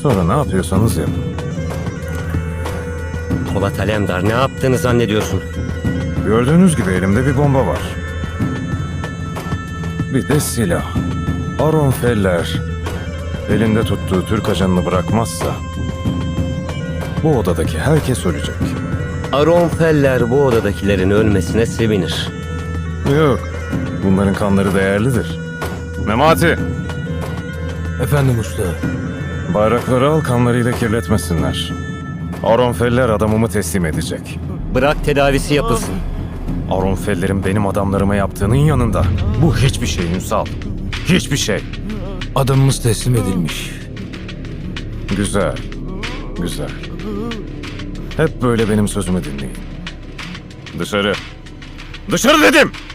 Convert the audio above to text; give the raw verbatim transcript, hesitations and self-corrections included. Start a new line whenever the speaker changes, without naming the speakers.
Sonra ne yapıyorsanız yapın.
Polat Alemdar, ne yaptığını zannediyorsun?
Gördüğünüz gibi elimde bir bomba var. Bir de silah. Aron Feller elinde tuttuğu Türk ajanını bırakmazsa bu odadaki herkes ölecek.
Aron Feller bu odadakilerin ölmesine sevinir.
Yok, bunların kanları değerlidir. Memati,
Efendim usta.
bayrakları al, kanlarıyla kirletmesinler. Aron Feller adamımı teslim edecek.
Bırak tedavisi yapılsın.
Aron Feller'in benim adamlarıma yaptığının yanında bu hiçbir şey Ünsal. Hiçbir şey.
Adamımız teslim edilmiş.
Güzel, güzel. Hep böyle benim sözümü dinleyin. Dışarı. Dışarı dedim!